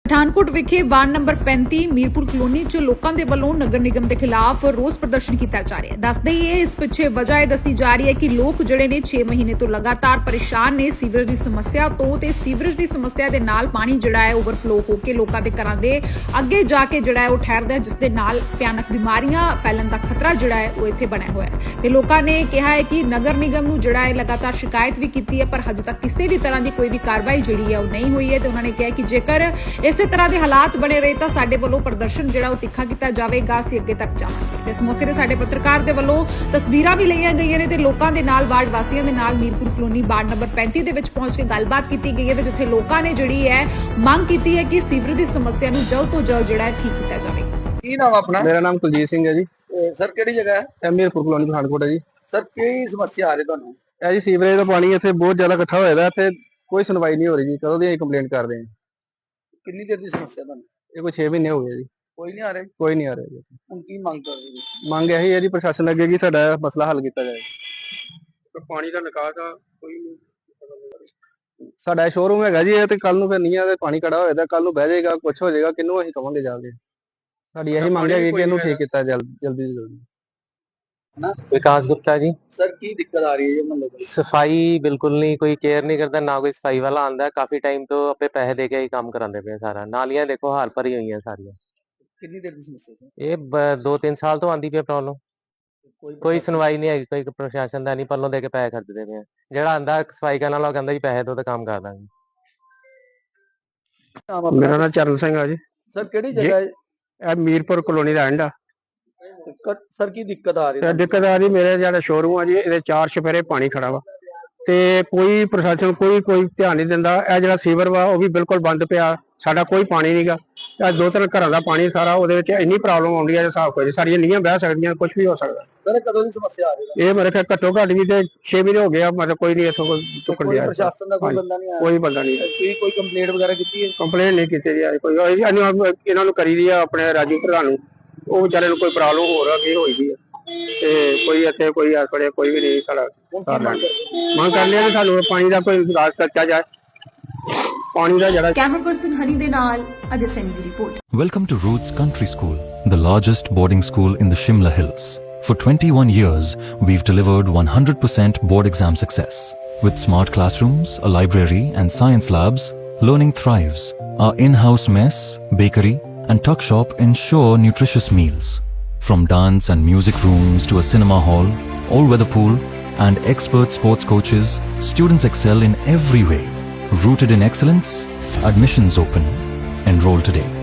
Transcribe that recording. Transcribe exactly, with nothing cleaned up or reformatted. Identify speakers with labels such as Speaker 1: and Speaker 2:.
Speaker 1: ਪਠਾਨਕੋਟ ਵਿਖੇ ward number ਪੈਂਤੀ Mirpur colony 'ਚ ਲੋਕਾਂ ਦੇ ਵੱਲੋਂ ਨਗਰ ਨਿਗਮ ਦੇ ਖਿਲਾਫ ਰੋਸ ਪ੍ਰਦਰਸ਼ਨ ਕੀਤਾ ਜਾ ਰਿਹਾ ਹੈ। ਦੱਸਦੇ ਹੀ ਇਹ ਇਸ ਪਿੱਛੇ ਵਜ੍ਹਾ ਇਹ ਦੱਸੀ ਜਾ ਰਹੀ ਹੈ ਕਿ ਲੋਕ ਜਿਹੜੇ ਨੇ ਛੇ ਮਹੀਨੇ ਤੋਂ ਲਗਾਤਾਰ ਪਰੇਸ਼ਾਨ ਨੇ ਸੀਵਰੇਜ ਦੀ ਸਮੱਸਿਆ ਤੋਂ ਤੇ ਸੀਵਰੇਜ ਦੀ ਸਮੱਸਿਆ ਦੇ ਨਾਲ ਪਾਣੀ ਜਿਹੜਾ ਹੈ ਓਵਰਫਲੋ ਹੋ ਕੇ ਲੋਕਾਂ ਦੇ ਘਰਾਂ ਦੇ ਅੱਗੇ ਜਾ ਕੇ ਜਿਹੜਾ ਹੈ ਉਹ ਠਹਿਰਦਾ ਹੈ, ਜਿਸ ਦੇ ਨਾਲ ਭਿਆਨਕ ਬਿਮਾਰੀਆਂ ਫੈਲਣ ਦਾ ਖਤਰਾ ਜਿਹੜਾ ਹੈ ਉਹ ਇੱਥੇ ਬਣਿਆ ਹੋਇਆ ਹੈ। ਤੇ ਲੋਕਾਂ ਨੇ ਕਿਹਾ ਹੈ ਕਿ ਨਗਰ ਨਿਗਮ ਨੂੰ ਜਿਹੜਾ ਹੈ ਲਗਾਤਾਰ ਸ਼ਿਕਾਇਤ ਵੀ ਕੀਤੀ ਹੈ, ਪਰ ਹਜੇ ਤੱਕ ਕਿਸੇ ਵੀ ਤਰ੍ਹਾਂ ਦੀ ਕੋਈ ਵੀ ਕਾਰਵਾਈ ਜਿਹੜੀ ਹੈ ਉਹ ਨਹੀਂ ਹੋਈ ਹੈ। ਤੇ ਉਹਨਾਂ ਨੇ ਕਿਹਾ ਕਿ ਜੇਕਰ ਇਸੇ ਤਰ੍ਹਾਂ ਦੇ ਹਾਲਾਤ ਬਣੇ ਰਹੇ ਤਾਂ ਸਾਡੇ ਵੱਲੋਂ ਪ੍ਰਦਰਸ਼ਨ ਜਿਹੜਾ ਉਹ ਤਿੱਖਾ ਕੀਤਾ ਜਾਵੇਗਾ, ਅਸੀਂ ਅੱਗੇ ਤੱਕ ਜਾਵਾਂਗੇ। ਤੇ ਇਸ ਮੌਕੇ ਤੇ ਸਾਡੇ ਪੱਤਰਕਾਰ ਦੇ ਵੱਲੋਂ ਤਸਵੀਰਾਂ ਵੀ ਲਈਆਂ ਗਈਆਂ ਨੇ ਤੇ ਲੋਕਾਂ ਦੇ ਨਾਲ ਵਾਰਡ ਵਾਸੀਆਂ ਦੇ ਨਾਲ ਮੀਰਪੁਰ ਕਲੋਨੀ ਵਾਰਡ ਨੰਬਰ ਪੈਂਤੀ ਦੇ ਵਿੱਚ ਪਹੁੰਚ ਕੇ ਗੱਲਬਾਤ ਕੀਤੀ ਗਈ ਹੈ ਤੇ ਜਿੱਥੇ ਲੋਕਾਂ ਨੇ ਜਿਹੜੀ ਹੈ ਮੰਗ ਕੀਤੀ ਹੈ ਕਿ ਸੀਵਰੇਜ ਦੀ ਸਮੱਸਿਆ ਨੂੰ ਜਲਦ ਤੋਂ ਜਲਦ ਜਿਹੜਾ ਹੈ ਠੀਕ ਕੀਤਾ ਜਾਵੇ।
Speaker 2: ਕੀ ਨਾਮ ਆਪਣਾ?
Speaker 3: ਮੇਰਾ ਨਾਮ ਕੁਲਜੀਤ ਸਿੰਘ ਹੈ ਜੀ।
Speaker 2: ਸਰ ਕਿਹੜੀ ਜਗ੍ਹਾ ਹੈ?
Speaker 3: ਇਹ ਮੀਰਪੁਰ ਕਲੋਨੀ ਪਠਾਨਕੋਟ ਹੈ ਜੀ।
Speaker 2: ਸਰ ਕੀ ਸਮੱਸਿਆ ਆ ਰਹੀ ਤੁਹਾਨੂੰ?
Speaker 3: ਇਹ ਜੀ ਸੀਵਰੇਜ ਦਾ ਪਾਣੀ ਇੱਥੇ ਬਹੁਤ ਜ਼ਿਆਦਾ ਇਕੱਠਾ ਹੋਇਆ ਦਾ ਤੇ ਕੋਈ ਸੁਣਵਾਈ ਨਹੀਂ ਹੋ ਰਹੀ ਜੀ। ਕਦੋਂ ਦੀ ਅਸੀਂ ਕੰਪਲੇਂਟ ਕਰਦੇ ਹਾਂ।
Speaker 2: ਕਿੰਨੀ ਦੇਰ ਦੀ ਸਮੱਸਿਆ ਤੁਹਾਨੂੰ?
Speaker 3: ਇਹ ਕੋਈ ਛੇ ਮਹੀਨੇ ਹੋ ਗਏ ਜੀ।
Speaker 2: ਕੋਈ ਨਹੀਂ ਆ ਰਿਹਾ?
Speaker 3: ਕੋਈ ਨਹੀਂ ਆ ਰਿਹਾ ਜੀ।
Speaker 2: ਹੁਣ ਕੀ ਮੰਗ ਕਰਦੇ ਜੀ?
Speaker 3: ਮੰਗ ਇਹੀ ਹੈ ਜੀ ਪ੍ਰਸ਼ਾਸਨ ਅੱਗੇ ਕਿ ਸਾਡਾ ਮਸਲਾ ਹੱਲ ਕੀਤਾ ਜਾਏ। ਪਾਣੀ ਦਾ ਨਿਕਾਸ ਆ ਕੋਈ ਨਹੀਂ। ਸਾਡਾ ਸ਼ੋਰੂਮ ਹੈਗਾ ਜੀ, ਇਹ ਤੇ ਕੱਲ ਨੂੰ ਫਿਰ ਨਹੀਂ ਆ ਤੇ ਪਾਣੀ ਖੜਾ ਹੋਇਆ ਤਾਂ ਕੱਲ ਨੂੰ ਬਹਿ ਜਾਏਗਾ, ਕੁਛ ਹੋ ਜਾਏਗਾ, ਕਿਹਨੂੰ ਅਸੀਂ ਕਵਾਂਗੇ ਜਾ ਕੇ। ਸਾਡੀ ਇਹੀ ਮੰਗ ਹੈ ਕਿ ਇਹਨੂੰ ਠੀਕ ਕੀਤਾ ਜਲਦੀ ਜਲਦੀ ਜਲਦੀ।
Speaker 4: विकास गुप्ता जी।
Speaker 2: सर की दिक्कत आ रही है मतलब?
Speaker 4: सफाई बिल्कुल नहीं, कोई केयर नहीं करता, ना कोई सफाई वाला आंदा है। काफी टाइम तो अपने पैसे दे के ही काम करांदे पे सारा। नालियां देखो हाल भरी हुई हैं सारियां।
Speaker 2: कितनी देर की समस्या है?
Speaker 4: ये ब- दो तीन साल तो आंदी पे प्रॉब्लम।
Speaker 2: कोई
Speaker 4: कोई सुनवाई नहीं है, कोई प्रशासन दा नहीं, पल्लों दे के पैसे खर्चदे पे। जेड़ा आंदा सफाई करने वाला कहंदा जी पैसे दो ते काम कर दांगे।
Speaker 3: ਮੇਰਾ ਨਾਮ ਚਰਨ ਸਿੰਘ ਆ ਜੀ।
Speaker 2: सर केड़ी जगह है?
Speaker 3: ਇਹ ਮੀਰਪੁਰ ਕਲੋਨੀ ਦਾ ਐਂਡ ਆ।
Speaker 2: सर की दिक्कत आ रही
Speaker 3: ਤੇ
Speaker 2: है?
Speaker 3: ਦਿੱਕਤ ਆ ਰਹੀ, ਮੇਰੇ ਜਿਹੜਾ ਸ਼ੋਰੂਮ ਆ ਜੀ ਇਹਦੇ ਚਾਰ ਚੁਫੇਰੇ ਪਾਣੀ ਖੜਾ ਵਾ ਤੇ ਕੋਈ ਪ੍ਰਸ਼ਾਸਨ ਕੋਈ ਕੋਈ ਧਿਆਨ ਨਹੀਂ ਦਿੰਦਾ। ਇਹ ਜਿਹੜਾ ਸੀਵਰ ਵਾ ਉਹ ਵੀ ਬਿਲਕੁਲ ਬੰਦ ਪਿਆ, ਸਾਡਾ ਕੋਈ ਪਾਣੀ ਨਹੀਂਗਾ। ਇਹ ਦੋ ਤਿੰਨ ਘਰਾਂ ਦਾ ਪਾਣੀ ਸਾਰਾ ਉਹਦੇ ਵਿੱਚ ਇੰਨੀ ਪ੍ਰੋਬਲਮ ਆਉਂਦੀ ਹੈ ਹਿਸਾਬ ਕੋਈ ਸਾਰੀਆਂ ਨੀਆਂ ਬਹਿ ਸਕਦੀਆਂ, ਕੁਝ ਵੀ ਹੋ ਸਕਦਾ।
Speaker 2: सर कदों की समस्या आ रही है?
Speaker 3: ਇਹ ਮੇਰੇ ਖਿਆਲ ਘੱਟੋ ਘੱਟ ਵੀ ਤੇ ਛੇ ਮਹੀਨੇ ਹੋ ਗਏ ਆ, ਮਤਲਬ ਕੋਈ ਨਹੀਂ ਇੱਥੋਂ ਚੁੱਕਣ
Speaker 2: कोई
Speaker 3: ਦਿਆ।
Speaker 2: प्रशासन का कोई बंदा नहीं आया?
Speaker 3: ਕੋਈ ਬੰਦਾ ਨਹੀਂ,
Speaker 2: कोई कोई कंप्लेंट वगैरह की है?
Speaker 3: ਕੰਪਲੇਂਟ ਨਹੀਂ ਕੀਤੀ ਜੀ ਅੱਜ ਕੋਈ। ਅਸੀਂ ਇਹਨੂੰ- ਇਹਨਾਂ ਨੂੰ ਕਰੀ ਦੀ ਆ ਆਪਣੇ ਰਾਜੂ ਪ੍ਰਧਾਨ ਨੂੰ, ਉਹ ਵਿਚਾਰੇ ਨੂੰ ਕੋਈ ਪ੍ਰੋਬਲਮ ਹੋਰ ਅੱਗੇ ਹੋਈ ਦੀ ਆ ਤੇ ਕੋਈ ਇੱਥੇ ਕੋਈ ਆ ਖੜੇ ਕੋਈ ਵੀ ਨਹੀਂ ਸਾਡਾ ਮੰਗ ਕਰ ਲਿਆ ਕਿ ਸਾਨੂੰ ਪਾਣੀ ਦਾ ਕੋਈ ਇਲਾਜ ਕੀਤਾ ਜਾਏ। ਪਾਣੀ ਦਾ ਜਿਹੜਾ
Speaker 1: ਕੈਮਰਾ ਪਰਸਨ ਹਨੀ ਦੇ ਨਾਲ ਅਜੇ ਸੈਨੀ ਦੀ report.
Speaker 5: Welcome to Roots Country School, the largest boarding school in the Shimla Hills. For twenty-one years, we've delivered one hundred percent board exam success. With smart classrooms, a library and science labs, learning thrives. Our in-house mess, bakery and tuck shop ensure nutritious meals. From dance and music rooms to a cinema hall, all-weather pool and expert sports coaches, students excel in every way. Rooted in excellence, admissions open. Enroll today.